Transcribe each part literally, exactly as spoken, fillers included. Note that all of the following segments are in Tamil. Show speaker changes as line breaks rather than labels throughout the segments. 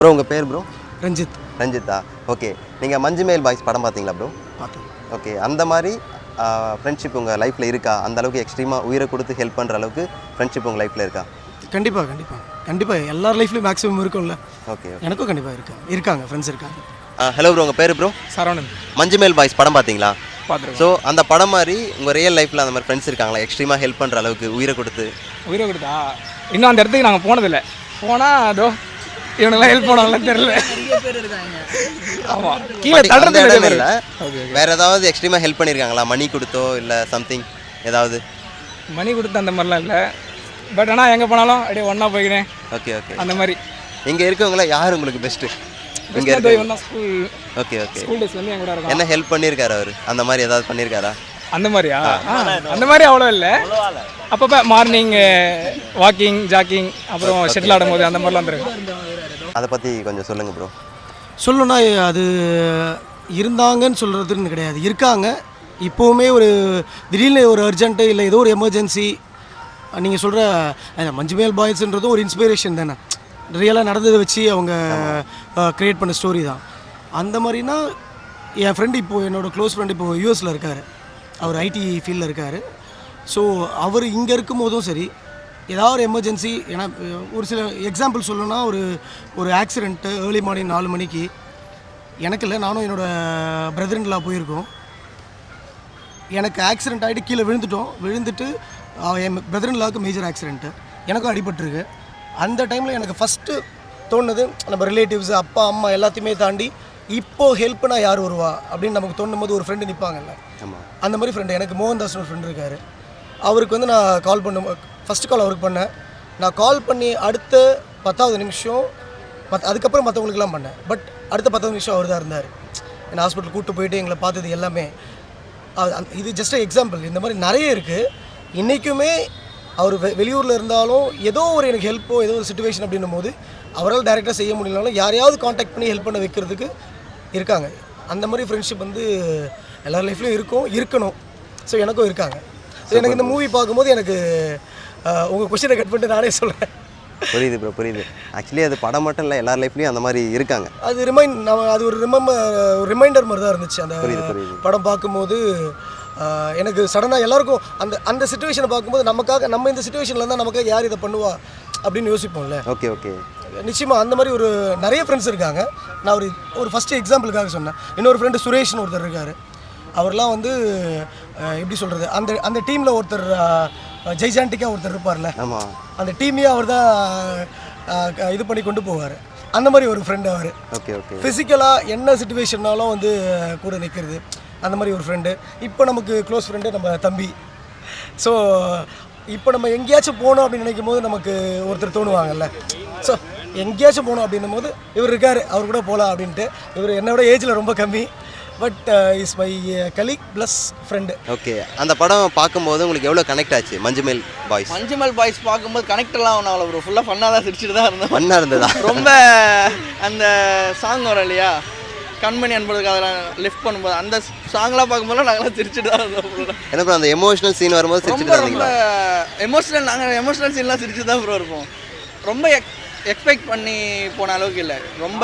ப்ரோ உங்கள் பேர் ப்ரோ?
ரஞ்சித்.
ரஞ்சித்தா? ஓகே. நீங்கள் மஞ்சுமேல் பாய்ஸ் படம் பார்த்தீங்களா ப்ரோ?
பார்த்தேன்.
ஓகே. அந்த மாதிரி ஃப்ரெண்ட்ஷிப் உங்கள் லைஃப்பில் இருக்கா? அந்த அளவுக்கு எக்ஸ்ட்ரீமாக உயிரை கொடுத்து ஹெல்ப் பண்ணுற அளவுக்கு ஃப்ரெண்ட்ஷிப் உங்கள் லைஃப்பில் இருக்கா?
கண்டிப்பாக கண்டிப்பாக கண்டிப்பாக எல்லார் லைஃப்லையும் மேக்ஸிமம் இருக்கும்ல.
ஓகே.
எனக்கும் கண்டிப்பாக இருக்கா இருக்காங்க ஃப்ரெண்ட்ஸ் இருக்காங்க.
ஹலோ ப்ரோ, உங்கள் பேர் ப்ரோ?
சரவணன்.
மஞ்சுமேல் பாய்ஸ் படம் பார்த்தீங்களா?
பார்த்துருக்கோம்.
ஸோ அந்த படம் மாதிரி உங்கள் ரியல் லைஃப்பில் அந்த மாதிரி ஃப்ரெண்ட்ஸ் இருக்காங்களா எக்ஸ்ட்ரீமாக ஹெல்ப் பண்ணுற அளவுக்கு உயிரை கொடுத்து?
உயிரை கொடுத்தா இன்னும் அந்த இடத்துக்கு நாங்கள் போனதில்லை. போனால் அதோ இவனுங்களாம் ஹெல்ப் பண்ணாங்களான்னு தெரியல. ஆமாம், கீழே தடுறது
இல்லை. வேறு ஏதாவது எக்ஸ்ட்ரீமாக ஹெல்ப் பண்ணியிருக்காங்களா? மணி கொடுத்தோ இல்லை சம்திங் ஏதாவது?
மணி கொடுத்து அந்த மாதிரிலாம் இல்லை. பட் ஆனால் எங்கே போனாலும் அப்படியே ஒன்றா போய்க்கிறேன்.
Okay okay.
அந்த மாதிரி
இங்கே இருக்கவங்கள யார் உங்களுக்கு பெஸ்ட்டு? இங்கே
இருக்கு school.
Okay okay.
School days வந்து என் கூட இருக்கும்.
என்ன ஹெல்ப் பண்ணியிருக்காரு அவர்? அந்த மாதிரி ஏதாவது பண்ணியிருக்காரா?
அந்த மாதிரியா? அந்த மாதிரி அவ்வளோ இல்லை. அப்பப்போ மார்னிங் வாக்கிங் ஜாக்கிங் அப்புறம் ஷட்டில் ஆடும்போது அந்த மாதிரிலாம் வந்துருக்கு.
அதை பற்றி கொஞ்சம் சொல்லுங்கள் ப்ரோ.
சொல்லணும்னா அது இருந்தாங்கன்னு சொல்கிறதுன்னு கிடையாது, இருக்காங்க. இப்போவுமே ஒரு திடீர்னு ஒரு அர்ஜென்ட்டு இல்லை ஏதோ ஒரு எமர்ஜென்சி நீங்கள் சொல்கிற மஞ்சுமேல் பாய்ஸ்ன்றதும் ஒரு இன்ஸ்பிரேஷன் தானே. ரியலாக நடந்ததை வச்சு அவங்க க்ரியேட் பண்ண ஸ்டோரி தான். அந்த மாதிரினா என் ஃப்ரெண்டு இப்போது என்னோடய க்ளோஸ் ஃப்ரெண்டு இப்போது யூஎஸில் இருக்கார். அவர் ஐடி ஃபீல்டில் இருக்கார். ஸோ அவர் இங்கே இருக்கும் போதும் சரி ஏதாவது ஒரு எமர்ஜென்சி, ஏன்னா ஒரு சில எக்ஸாம்பிள் சொல்லணும்னா ஒரு ஒரு ஆக்சிடெண்ட்டு ஏர்லி மார்னிங் நாலு மணிக்கு எனக்கு இல்லை, நானும் என்னோடய பிரதர்இன்லா போயிருக்கோம். எனக்கு ஆக்சிடெண்ட் ஆகிட்டு கீழே விழுந்துட்டோம். விழுந்துட்டு என் பிரதர்இன்லாவுக்கு மேஜர் ஆக்சிடெண்ட்டு, எனக்கும் அடிபட்டுருக்கு. அந்த டைமில் எனக்கு ஃபஸ்ட்டு தோணுது நம்ம ரிலேட்டிவ்ஸ் அப்பா அம்மா எல்லாத்தையுமே தாண்டி இப்போது ஹெல்ப்னா யார் வருவா அப்படின்னு நமக்கு தோணும் போது ஒரு ஃப்ரெண்டு நிற்பாங்கல்ல. அந்த மாதிரி ஃப்ரெண்டு எனக்கு மோகன்தாஸ் ஒரு ஃப்ரெண்டு இருக்கார். அவருக்கு வந்து நான் கால் பண்ணும் ஃபஸ்ட்டு கால் அவருக்கு பண்ணேன். நான் கால் பண்ணி அடுத்த பத்தாவது நிமிஷம் மத் அதுக்கப்புறம் மற்றவங்களுக்குலாம் பண்ணேன். பட் அடுத்த பத்தாவது நிமிஷம் அவர் தான் இருந்தார். என்னை ஹாஸ்பிட்டல் கூப்பிட்டு போயிட்டு எங்களை பார்த்தது எல்லாமே. இது ஜஸ்ட் எக்ஸாம்பிள். இந்த மாதிரி நிறைய இருக்குது. இன்றைக்குமே அவர் வெ வெளியூரில் இருந்தாலும் ஏதோ ஒரு எனக்கு ஹெல்ப்போ ஏதோ ஒரு சுச்சுவேஷன் அப்படின்னும் போது அவரால் டைரெக்டாக செய்ய முடியலனாலும் யாரையாவது காண்டாக்ட் பண்ணி ஹெல்ப் பண்ண வைக்கிறதுக்கு இருக்காங்க. அந்த மாதிரி ஃப்ரெண்ட்ஷிப் வந்து எல்லார் லைஃப்லையும் இருக்கும், இருக்கணும். ஸோ எனக்கும் இருக்காங்க. ஸோ எனக்கு இந்த மூவி பார்க்கும்போது எனக்கு உங்கள் கொஸ்டினை கட் பண்ணிட்டு நானே சொல்கிறேன்.
புரியுது ப்ரோ, புரியுது. ஆக்சுவலி அது படம் மட்டும் இல்லை, எல்லார் லைஃப்லையும் அந்த மாதிரி இருக்காங்க.
அது ரிமைண்ட் நம்ம அது ஒரு ரிமெம்பர் ஒரு ரிமைண்டர் மாதிரி தான் இருந்துச்சு. அந்த படம் பார்க்கும்போது எனக்கு சடனாக எல்லாருக்கும் அந்த அந்த சுச்சுவேஷனை பார்க்கும்போது நமக்காக நம்ம இந்த சுச்சுவேஷனில் இருந்தால் நமக்காக யார் இதை பண்ணுவா அப்படின்னு யோசிப்போம்ல.
Okay okay.
நிச்சயமாக அந்த மாதிரி ஒரு நிறைய ஃப்ரெண்ட்ஸ் இருக்காங்க. நான் ஒரு ஒரு ஃபஸ்ட்டு எக்ஸாம்பிளுக்காக சொன்னேன். இன்னொரு ஃப்ரெண்டு சுரேஷ்னு ஒருத்தர் இருக்கார். அவர்லாம் வந்து எப்படி சொல்கிறது, அந்த அந்த டீமில் ஒருத்தர் ஜெய்ஜாண்டிக்காக ஒருத்தர் இருப்பார்ல,
ஆமாம்,
அந்த டீமையே அவர் தான் இது பண்ணி கொண்டு போவார். அந்த மாதிரி ஒரு ஃப்ரெண்டு அவர்.
Okay okay.
ஃபிசிக்கலாக என்ன சுச்சுவேஷன்னாலும் வந்து கூட நிற்கிறது, அந்த மாதிரி ஒரு ஃப்ரெண்டு. இப்போ நமக்கு க்ளோஸ் ஃப்ரெண்டு நம்ம தம்பி. ஸோ இப்போ நம்ம எங்கேயாச்சும் போகணும் அப்படின்னு நினைக்கும் போது நமக்கு ஒருத்தர் தோணுவாங்கல்ல. ஸோ எங்கேயாச்சும் போகணும் அப்படின்னும் போது இவர் இருக்கார், அவர் கூட போகலாம் அப்படின்ட்டு. இவர் என்னோட ஏஜில் ரொம்ப கம்மி, but is my colleague plus friend.
Okay. அந்த படம் பார்க்கும்போது உங்களுக்கு எவ்வளோ கனெக்ட் ஆச்சு மஞ்சுமேல் பாய்ஸ்?
மஞ்சுமேல் பாய்ஸ் பார்க்கும்போது கனெக்டெல்லாம் ஒன்றும் அவ்வளோ ப்ரோ, ஃபுல்லாக ஃபன்னாக தான் சிரிச்சுட்டு தான் இருந்தோம்.
ஃபன்னாக இருந்ததா?
ரொம்ப அந்த சாங் வரும் இல்லையா, கண்மணி அன்பதுக்கு அதெல்லாம் லிஃப்ட் பண்ணும்போது அந்த சாங்லாம் பார்க்கும்போது நாங்களாம் சிரிச்சுட்டு தான் இருந்தோம்.
என்ன ப்ரோ, அந்த எமோஷனல் சீன் வரும்போது சிரிச்சுட்டு
ரொம்ப எமோஷனல், நாங்கள் எமோஷனல் சீன்லாம் சிரிச்சு தான் ப்ரோ இருப்போம். ரொம்ப எக் எக்ஸ்பெக்ட் பண்ணி போன அளவுக்கு இல்லை. ரொம்ப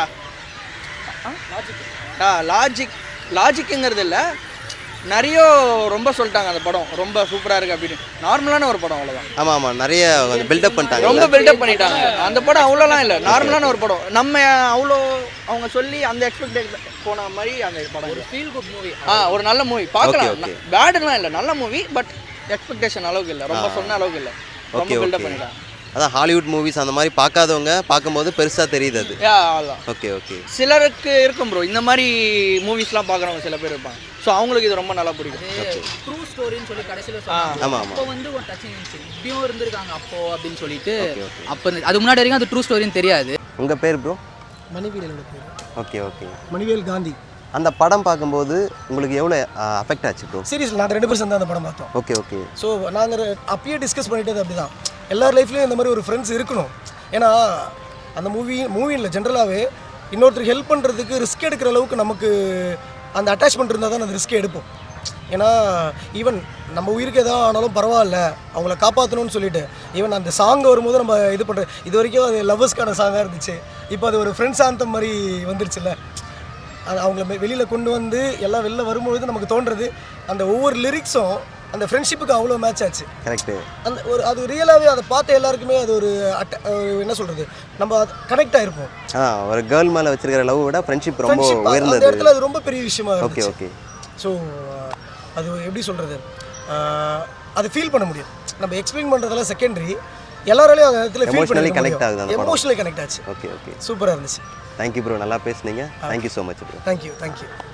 ஆ லாஜிக் லாஜிக்குங்கிறது இல்லை, நிறைய ரொம்ப சொல்லிட்டாங்க அந்த படம் ரொம்ப சூப்பராக இருக்குது அப்படின்னு. நார்மலான ஒரு படம், அவ்வளோதான்.
ஆமாம் ஆமாம், நிறைய பில்டப் பண்ணிட்டாங்க,
ரொம்ப பில்டப் பண்ணிட்டாங்க. அந்த படம் அவ்வளோலாம் இல்லை, நார்மலான ஒரு படம். நம்ம அவ்வளோ அவங்க சொல்லி அந்த எக்ஸ்பெக்ட் போன மாதிரி அந்த படம் ஒரு ஃபீல் குட் மூவி. ஆ ஒரு நல்ல மூவி பார்க்கலாம், பேடுலாம் இல்லை, நல்ல மூவி. பட் எக்ஸ்பெக்டேஷன் அளவுக்கு இல்லை, ரொம்ப சொன்ன அளவுக்கு இல்லை, ரொம்ப பில்டப் பண்ணிட்டாங்க.
அதான் ஹாலிவுட் மூவிஸ் அந்த மாதிரி பார்க்காதவங்க பார்க்கும்போது பெருசாக தெரியுது அது. Okay okay.
சிலருக்கு இருக்கும் ப்ரோ, இந்த மாதிரி மூவிஸ்லாம் பார்க்குறவங்க சில பேர் இருப்பாங்க. ஸோ அவங்களுக்கு இது ரொம்ப நல்லா பிடிக்கும்.
ட்ரூ ஸ்டோரின்னு சொல்லி கடைசியில் சொன்னாங்க.
ஆமாம்,
அப்போ வந்து ஒரு டச்சிங் இருந்துச்சு, இப்படியும் இருந்திருக்காங்க அப்போ அப்படின்னு சொல்லிட்டு. அப்போ அது முன்னாடி வரைக்கும் அது ட்ரூ ஸ்டோரின்னு தெரியாது.
உங்கள் பேர் ப்ரோ?
மணிவேல் பேர்.
Okay okay.
மணிவேல் காந்தி.
அந்த படம் பார்க்கும்போது உங்களுக்கு எவ்வளோ அஃபெக்ட் ஆச்சு ப்ரோ?
சீரியஸில் நாங்கள் ரெண்டு பேரும் சேர்ந்து அந்த படம் பார்த்தோம்.
Okay okay.
ஸோ நாங்கள் அப்பயே டிஸ்கஸ் பண்ணிட்டது அப்படி தான், எல்லார் லைஃப்லேயும் இந்த மாதிரி ஒரு ஃப்ரெண்ட்ஸ் இருக்கணும். ஏன்னா அந்த மூவி மூவியில் ஜென்ரலாகவே இன்னொருத்தருக்கு ஹெல்ப் பண்ணுறதுக்கு ரிஸ்க் எடுக்கிற அளவுக்கு நமக்கு அந்த அட்டாச்மெண்ட் இருந்தால் தான் அந்த ரிஸ்க்கே எடுப்போம். ஏன்னா ஈவன் நம்ம உயிருக்கு எதாவது ஆனாலும் பரவாயில்ல அவங்கள காப்பாற்றணும்னு சொல்லிட்டு ஈவன் அந்த சாங் வரும்போது நம்ம இது பண்ணுற இது வரைக்கும் அது லவ்வர்ஸ்க்கான சாங்காக இருந்துச்சு. இப்போ அது ஒரு ஃப்ரெண்ட்ஸ் ஆந்தம் மாதிரி வந்துருச்சுல்ல. அது அவங்கள வெளியில் கொண்டு வந்து எல்லாம் வெளில வரும்பொழுது நமக்கு தோன்றது அந்த ஒவ்வொரு லிரிக்ஸும் அந்த ஃப்ரெண்ட்ஷிப்புக்கு அவ்வளோ மேட்ச் ஆச்சு.
கரெக்டு.
அந்த ஒரு அது ரியலாகவே அதை பார்த்த எல்லாருக்குமே அது ஒரு அட்ட என்ன சொல்கிறது நம்ம அது கனெக்ட் ஆகிருப்போம்.
ஆ ஒரு கேர்ள் மேலே வச்சிருக்கிற லவ் விட ஃப்ரெண்ட்ஷிப் ரொம்ப
அந்த
உயர்ந்தது.
இடத்துல அது ரொம்ப பெரிய விஷயமா
ஓகே
இருந்துச்சு.
ஓகே.
ஸோ அது எப்படி சொல்கிறது அது ஃபீல் பண்ண முடியும். நம்ம எக்ஸ்பிளைன் பண்ணுறதெல்லாம் செகண்டரி, எல்லாராலையும் அந்த இடத்துல ஃபீல் பண்ணி
கனெக்ட் ஆகுது அந்த படம்.
எமோஷனலி கனெக்ட் ஆச்சு.
Okay okay.
சூப்பராக இருந்துச்சு.
தேங்க்யூ ப்ரோ, நல்லா பேசுனீங்க. Thank you so much bro.
Thank you thank you.